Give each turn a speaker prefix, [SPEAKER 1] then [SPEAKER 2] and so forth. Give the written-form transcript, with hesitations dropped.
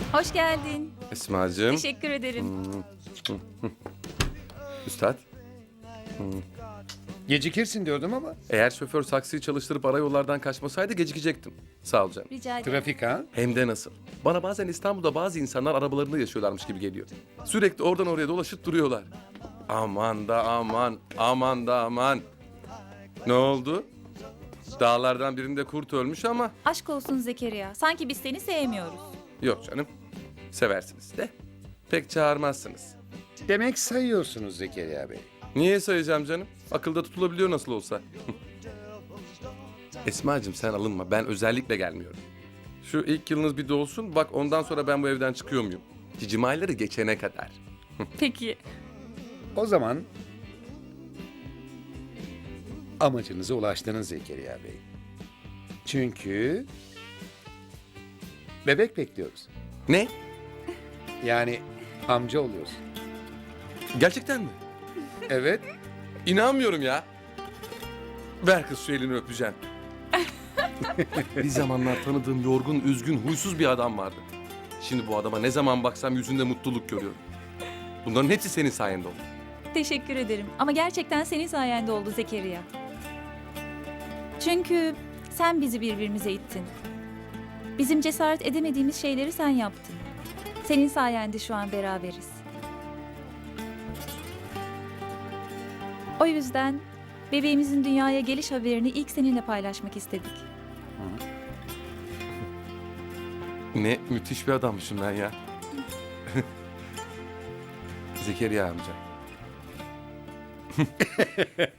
[SPEAKER 1] Hoş geldin.
[SPEAKER 2] Esma'cığım.
[SPEAKER 1] Teşekkür ederim.
[SPEAKER 2] Üstad,
[SPEAKER 3] Gecikirsin diyordum ama.
[SPEAKER 2] eğer şoför saksıyı çalıştırıp ara yollardan kaçmasaydı gecikecektim. Sağ ol canım.
[SPEAKER 1] Rica ederim.
[SPEAKER 3] Trafik ha?
[SPEAKER 2] Hem de nasıl? Bana bazen İstanbul'da bazı insanlar arabalarında yaşıyorlarmış gibi geliyor. Sürekli oradan oraya dolaşıp duruyorlar. Aman da aman, aman da aman. Ne oldu? Dağlardan birinde kurt ölmüş ama...
[SPEAKER 1] Aşk olsun Zekeriya. Sanki biz seni sevmiyoruz.
[SPEAKER 2] Yok canım, seversiniz de. Pek çağırmazsınız.
[SPEAKER 3] Demek sayıyorsunuz Zekeriya Bey.
[SPEAKER 2] Niye sayacağım canım? Akılda tutulabiliyor nasıl olsa. Esma'cığım sen alınma, ben özellikle gelmiyorum. Şu ilk yılınız bir dolsun, bak ondan sonra ben bu evden çıkıyor muyum? Cicim ayları geçene kadar.
[SPEAKER 1] Peki.
[SPEAKER 3] O zaman amacınıza ulaştınız Zekeriya Bey. Çünkü bebek bekliyoruz.
[SPEAKER 2] Ne?
[SPEAKER 3] Yani amca oluyorsun.
[SPEAKER 2] Gerçekten mi?
[SPEAKER 3] Evet.
[SPEAKER 2] İnanmıyorum ya. Ver kız şu elini öpeceğim. Bir zamanlar tanıdığım yorgun, üzgün, huysuz bir adam vardı. Şimdi bu adama ne zaman baksam yüzünde mutluluk görüyorum. Bunların hepsi senin sayende oldu.
[SPEAKER 1] Teşekkür ederim. Ama gerçekten senin sayende oldu Zekeriya. Çünkü sen bizi birbirimize ittin. Bizim cesaret edemediğimiz şeyleri sen yaptın. Senin sayende şu an beraberiz. O yüzden bebeğimizin dünyaya geliş haberini ilk seninle paylaşmak istedik.
[SPEAKER 2] Ne müthiş bir adammışım ben ya. Zekeriya amca.